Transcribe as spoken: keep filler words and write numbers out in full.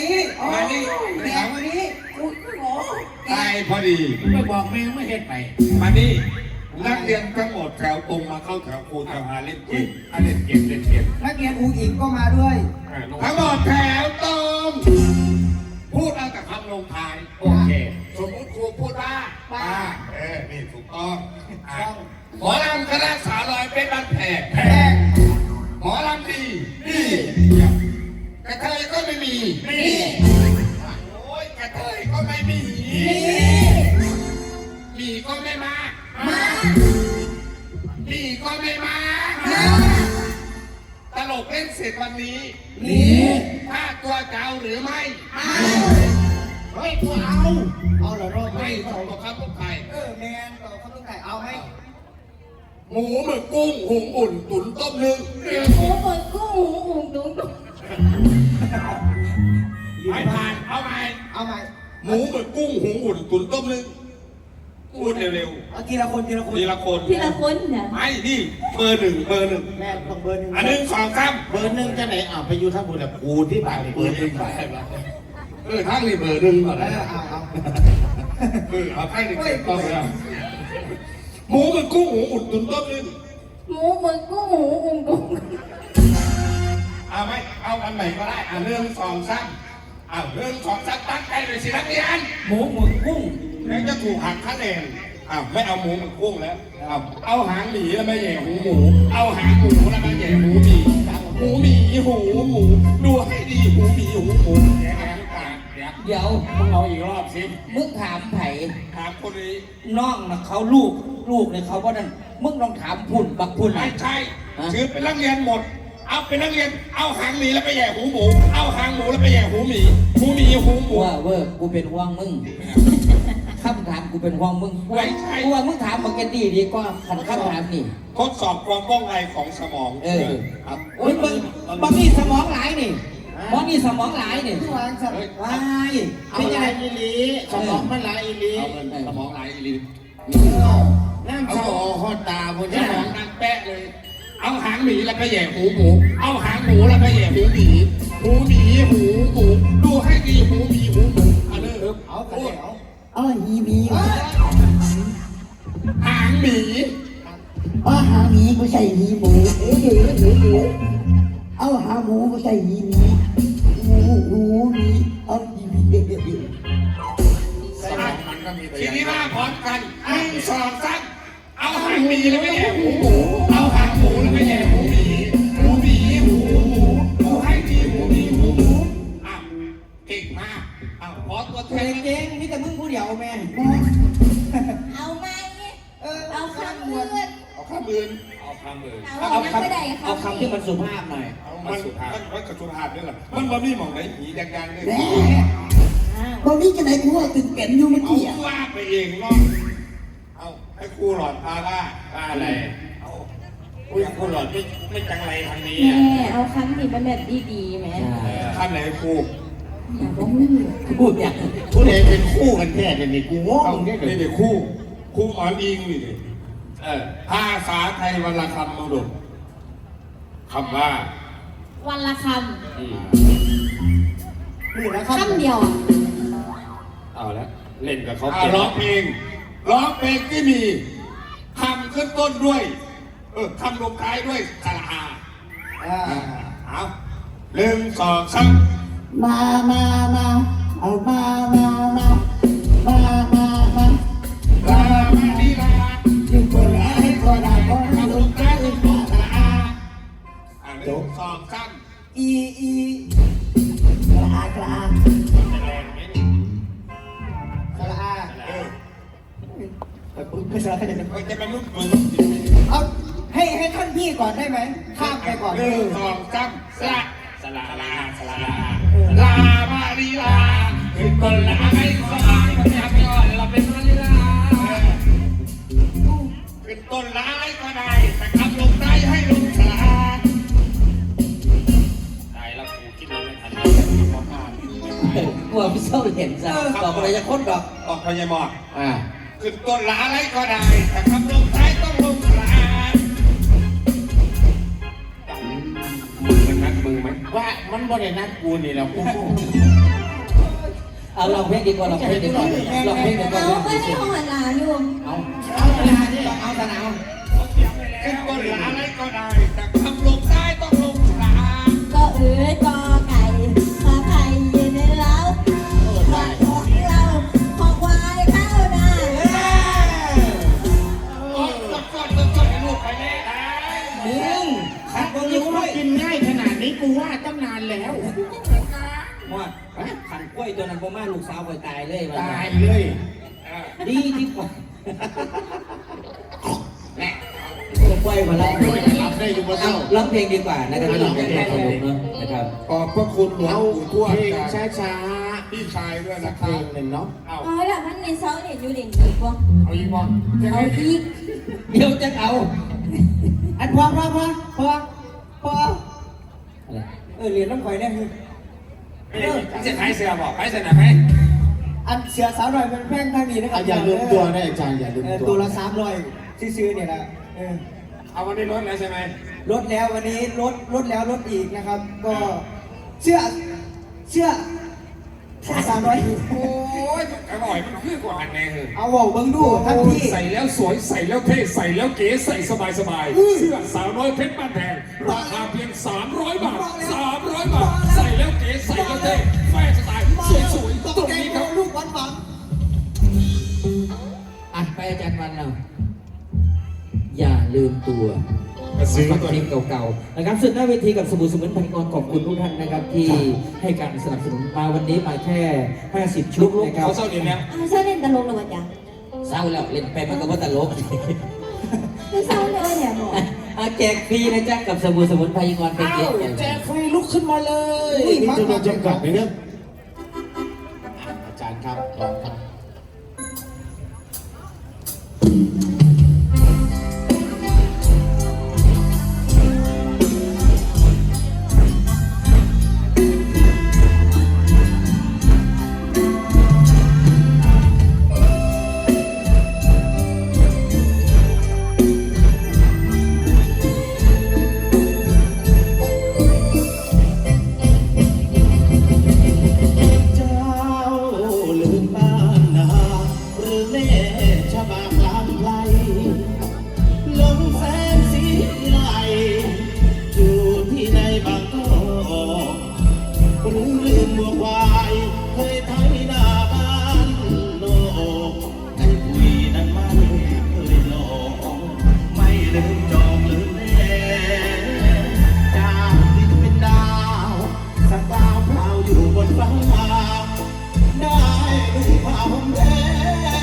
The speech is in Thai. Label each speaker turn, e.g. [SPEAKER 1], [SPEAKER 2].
[SPEAKER 1] นี้
[SPEAKER 2] มานี่
[SPEAKER 1] แดงมานี้กูโง่
[SPEAKER 2] ตายพอดี
[SPEAKER 3] ไม่บอกแม่ไม่เห็นไป
[SPEAKER 2] มานี่นักเรียนทั้งหมดแถวตรงมาเข้าแถวครูจะพาเล่นเกมอ่ะเล่นเกมเล่นเกม
[SPEAKER 1] นักเรียนอูอิงก็มาด้วย
[SPEAKER 2] ทั้งหมดแถวตรงพูดเอาแต่คำลงท้ายโอเคสมมติครูพูดว่าป้าเออนี่ถูกต้องอ่ะหมอลำคณะสาวลอยเป็นบ้านแพงแพงหมอลำดีดีกระเทยก็ไม่มีมีโอ้ยกระเทยก็ไม่มีมีก็ไม่มามามีก็ไม่มาตลกเล่นเสร็จวันนี้นี่ถ้าตัวเจ้าหรือไม่เฮ้ยตัวเอาเอาเหรอรอบไม่ต้องตัวครับลูกไก่
[SPEAKER 1] เออแมนต่อข้าวต้มไก่เอาไหม
[SPEAKER 2] หมูหมึกกุ้งหุงอุ่นตุ๋นต้มนึ่ง
[SPEAKER 4] หมูหมึกกุ้งหมูอุ่นตุ๋น
[SPEAKER 2] ไม่ผ่านเอาไหม
[SPEAKER 1] เอาไหม
[SPEAKER 2] หมูหมึกกุ้งหุงอุ่นตุ๋นต้มนึ่งพูดเร็ว
[SPEAKER 1] เอาทีละคนทีละคน
[SPEAKER 2] ๆทีละคน
[SPEAKER 4] ทีละคนเนี่ย
[SPEAKER 2] ไม่นี่เบอร์หนึ่งเบอร์หนึ่ง
[SPEAKER 1] แม่ต้องเบอร์หนึ่ง
[SPEAKER 2] อันหนึ่งสองสาม
[SPEAKER 3] เบอร์หนึ่งจะไหนอ่ะไปอยู่ทั้งหมดแบบกูที่บ้านเบอร์หนึ่งไป
[SPEAKER 2] เออทั้งนี่เบอร์หนึ่งก่อน
[SPEAKER 1] เอ
[SPEAKER 2] นะ
[SPEAKER 1] อเอาเอา
[SPEAKER 2] เออเอาให้หนึ่งเสร็จก่อนเลยหมูหมึกกุ้งหุงอุ่นตุ๋นต้มนึ่ง
[SPEAKER 4] หมูหมึกกุ้งหมูอุ่นตุ๋น
[SPEAKER 2] เอาไหมเอาอันไหนก็ได้อ่ะเรื่องสองสามเอาเรื่องสองสามตั้งใจเลยสินักเรียน
[SPEAKER 3] หมูหมึกกุ้ง
[SPEAKER 2] แล้วจะถูกหักคะแนนอ้าวไม่เอาหมูหมึกกุ้งแล้วเอาเอาหางหมีแล้วมาแย่หูหมู เอาหางหมูแล้วมาแย่หูหมีหูหมีหูหมูดูให้ดีหูหมีหูหมูแย่หางปากแย่
[SPEAKER 3] เดี๋ยวมึงเอาอีกรอบสิมึงถามไผ่
[SPEAKER 2] ถามคนนี้
[SPEAKER 3] น้องนะเขาลูกลูกเนี่ยเขาว่านั่นมึงลองถามพุ่นบักพุ่น
[SPEAKER 2] ไม่
[SPEAKER 3] อ่ะ
[SPEAKER 2] ใช่ถือเป็นนักเรียนหมด เอาเป็นนักเรียนเอาหางหมีแล้วไปแย่หูหมู เอาหางหมูแล้วไปแย่หูหมีหูหมีหูหมู
[SPEAKER 3] ว่าเวอร์กูเป็นห่วงมึงคำถามกูเป็นห่วงมึงกูว่ามึงถามมาเกตตี้ดีกว่าขันคำถามนี่
[SPEAKER 2] ทดสอบความว่องไวของสมอง
[SPEAKER 3] เออครับโอ้ยมึงบางนี่สมองหลายนี่บางนี่สมองหลายนี่
[SPEAKER 1] ทุกวันสัป
[SPEAKER 3] ว้ายเป็นยังไงอีลีสมองมันหลายอีลี
[SPEAKER 2] เอาเงินสมองไหลอีลี
[SPEAKER 3] น้ำสมองหอตาบน
[SPEAKER 2] ส
[SPEAKER 3] นี้
[SPEAKER 2] มองนั่งแป๊ะเลย เอาหางหมีแล้วไปแย่หูหมู เอาหางหมูแล้วไปแย่หูหมีหูหมีหูหมูดูให้ดีหูหมีหูหมูอันนี้
[SPEAKER 1] เอาไปเอา
[SPEAKER 5] อ๋อหีหมี
[SPEAKER 2] หางหมี
[SPEAKER 5] อ๋อหาหมีกูใส่หีหมูเอ๋เอ๋เอ๋เอ๋เอาหาหมูกูใส่หีหมีหมูหมูหมีเอาหีหมีเอ๋เอ๋
[SPEAKER 2] สมองมันก็มีทีนี้มาพร้อมกันหนึ่งสองสามเอาหางหมีแล้วไปแย่หูหมู เอาหางหมูแล้วไปแย่หูหมีหูหมีหูหมูดูให้ดีหูหมีหูหมูอ้าวเก่งมากอ้าวขอตัวแท
[SPEAKER 1] เก่
[SPEAKER 2] น
[SPEAKER 1] งเก่งนี่แต่มึงผู้เดียวแม่
[SPEAKER 4] เอาไหม
[SPEAKER 1] เออ
[SPEAKER 4] เอาคำอื่น
[SPEAKER 2] เอาข้ามอื่นเอาข้ามอื่น
[SPEAKER 4] เอายังไม่ได้
[SPEAKER 3] เอาคำที่มันสุภาพหน่อย
[SPEAKER 2] มันสุภาพมันมันกระสุภาพด้วยเหรอมันบ่มีหม่องไหนหีแดงๆเลย
[SPEAKER 5] แหมตอนนี้จะไหนกูว่าตื่นเต้นอยู่เมื่อ
[SPEAKER 2] เอา
[SPEAKER 5] กี้อ่ะ
[SPEAKER 2] ว่าไปเองเนาะเอาให้ครูหลอดพาว่าว่าอะไรเอาอุ้ยครูหลอดไม่ไม่จังไรทางนี้
[SPEAKER 4] แม่
[SPEAKER 2] อ่ะ
[SPEAKER 4] เอาคำที่มันแบบดีๆแม่
[SPEAKER 2] ขั้นไหนครู
[SPEAKER 4] อย่าบอกมึง
[SPEAKER 3] พูดอย่างพูดเองเป็นคู่กันแท้แต่นี่กูงง
[SPEAKER 2] เอา
[SPEAKER 3] แค่
[SPEAKER 2] นี่เด็กครูครูหมอนอิงนี่ดิเออภาษาไทยวันละคำมาดูคำว่า
[SPEAKER 4] วันละค
[SPEAKER 2] อืม
[SPEAKER 1] นี่นะ
[SPEAKER 4] ำ
[SPEAKER 1] ครับ
[SPEAKER 4] คำเดียวอ่ะ
[SPEAKER 3] เอาละเล่นกับเขา
[SPEAKER 2] อ่าร้องเพลงร้องเพลงที่มีคำขึ้นต้นด้วย เออคำลงท้ายด้วยสระอา
[SPEAKER 1] อ่า
[SPEAKER 2] เอาหนึ่งสองสาม
[SPEAKER 5] มามามาเอามามามามามามา
[SPEAKER 2] ลามาดีลา
[SPEAKER 5] อยู่คนละให้ก็ได้ก็ให้
[SPEAKER 2] คำ
[SPEAKER 5] ล
[SPEAKER 2] ล
[SPEAKER 5] ง
[SPEAKER 2] ง
[SPEAKER 5] ใจ
[SPEAKER 2] ท้ายด้วยสระอาอ่าหนึ่งสองสาม
[SPEAKER 1] อีอี
[SPEAKER 5] กระอากระอา
[SPEAKER 2] แรงไหมนี่
[SPEAKER 1] สระอา
[SPEAKER 2] เออ
[SPEAKER 1] ไม่สระอา
[SPEAKER 2] เออจะเป็นลูกมือ
[SPEAKER 1] เอาให้ให้ท่านพี่ก่อนได้ไหมข้ามไปก่อน
[SPEAKER 2] หนึ่งสองสามสระสระลาสระลาลามาดีลาคือคนละไม่สบายคนอยากย้อนเราเป็นมาดีลาเป็นต้นร้ายก็ได้แต่คำลงได้ให้ลงสระอาได้แล้วกูคิดเลยไม่ทันขอผ่าน
[SPEAKER 3] กลัวพี่เศร้าเห็นซะบอกอะไรจะค้นดอก
[SPEAKER 2] ออกพญามอด
[SPEAKER 3] อ่า
[SPEAKER 2] ขึ้นต้นละอะไรก็ได้แต่คำลงท้ายต้องลงสระอามือมันนัดมือไหม
[SPEAKER 3] ว่ามันบ่ได้นัดกูนี่แหละกูเอาลองเพลงดีกว่าลองเพลงดีกว่าลองเพลงดีกว่า
[SPEAKER 4] เอาก็ให้ของหลานอยู่
[SPEAKER 3] เอา
[SPEAKER 1] เอาเวลาที่ต้องเอาสนาม
[SPEAKER 2] ขึ้นก็เหลืออะไรก็ได้ แต่คำลงใต้ต้องลงกลาง
[SPEAKER 4] ก็เอ๋ยกอไก่ขอไข่ยืนในเล้าขอของเราขอควายเข้านา
[SPEAKER 2] โอ้ยต้องกดต้องกดให้ลูกไปแน่ได้
[SPEAKER 1] มึงขัดบนรู้ว่ากินง่ายขนาดนี้กูว่าตั้งนานแล้ว
[SPEAKER 3] หมดขันกล้วยตัวนั้นพ่อมาลูกสาวไปตายเลย
[SPEAKER 1] ตายเลย
[SPEAKER 3] ดีที่กว่าแม่กล้วยมาแล้ว
[SPEAKER 2] รับได้อยู่บนเท้า
[SPEAKER 3] ร้องเพลงดีกว่านะครับไม่ต้องเพลงขนมเนาะนะครับ
[SPEAKER 2] ขอบพระคุณหลวง
[SPEAKER 1] เอา
[SPEAKER 2] ปู่ทวด
[SPEAKER 1] เพลง
[SPEAKER 2] จาก
[SPEAKER 1] ช้า
[SPEAKER 2] พี่ชายด้วย
[SPEAKER 1] ๆสั
[SPEAKER 2] นะ
[SPEAKER 1] ก
[SPEAKER 2] ค
[SPEAKER 1] เพล
[SPEAKER 2] รับ
[SPEAKER 1] งหนึ่งเนาะ
[SPEAKER 2] เอา
[SPEAKER 4] อ๋อแล้วมันในเสาเด่นอยู่เด่นอีกวะ
[SPEAKER 2] เอาอีกบ่จะ
[SPEAKER 4] เอา
[SPEAKER 2] ให้
[SPEAKER 4] อีก
[SPEAKER 3] เดี๋ยวจะเอา
[SPEAKER 1] อันพอพอพอพอพอ
[SPEAKER 3] อะไร
[SPEAKER 1] เออเรียนน้ำข่อยได้คือ
[SPEAKER 2] จะขายเสื้อบอกขายเสื้อหนักไหม
[SPEAKER 1] อันเสียสาวหน่อยเป็นแพงทางนี้นะครับอย่าลืมตัวนะอาจารย์อย่าลืมตัวตัวละสามร้อยซื้อๆเนี่ยนะเออ
[SPEAKER 2] เอาวันนี้ลดแล้วใช่ไหม
[SPEAKER 1] ลดแล้ววันนี้ลดลดแล้วลดอีกนะครับ ก็เชื่อเชื่อสามร้อย
[SPEAKER 2] โอ้ยอร่อยมันคือกว่าอันแน่เลย
[SPEAKER 1] เอาบอกเบิ้งดูท่านพี่
[SPEAKER 6] ใส่แล้วสวยใส่แล้วเท่ใส่แล้วเก๋ใส่สบายสบายเสื้อสาวน้อยเพชรบ้านแพงราคาเพียงสามร้อยบาทสามร้อยบาทใส่แล้วเก๋ใส่แล้วเท่แฟชั่นสไตล์สวยๆตรงนี้ครับ
[SPEAKER 1] ลูกหวานหวาน
[SPEAKER 3] อ่ะไปอาจารย์วันเราอย่าลืมตัว
[SPEAKER 6] ซื้อ
[SPEAKER 3] ฟัง
[SPEAKER 6] ตัว
[SPEAKER 3] เพล
[SPEAKER 6] นี้
[SPEAKER 3] งเก่าๆนะครับสุดหน้าเวทีกับสมุนสมุนไพรกรขอบคุณทุกท่านนะครับที่ให้การสนับสนุนมาวันนี้มาแค่ห้าสิบชุดนะครับ
[SPEAKER 6] เขาเศร้าเรียนแล้ว
[SPEAKER 4] เอาเสาเด่นตลกเลยวะจ๊ะ
[SPEAKER 3] เศร้าแล้วเล่นไปมันก็ว่าตลก
[SPEAKER 4] คือเสาเลยเนี่ยบอก
[SPEAKER 3] อ่ะแจกฟรีนะจ๊ะกับสมุนสมุนไพรกรเป็นเกียรติอย่าง
[SPEAKER 1] แจกฟรีลุกขึ้นมาเลยมีจำนวนจำกัดไหมเนี่ยอาจารย์ครับลองครับ
[SPEAKER 5] เจ้าลืมบ้านนาหรือแม่ชะบากลางไกลลมแสงสีไหลอยู่ที่ในบางกอกหรือลืมบัวควายเคยไถนาบ้านโลกให้คุยนั้นมันเคยหลอกไม่ลืมจองลืมแม่จากดินเป็นดาวสักดาวเปล่าอยู่บนฟ้าได้ดูความแดง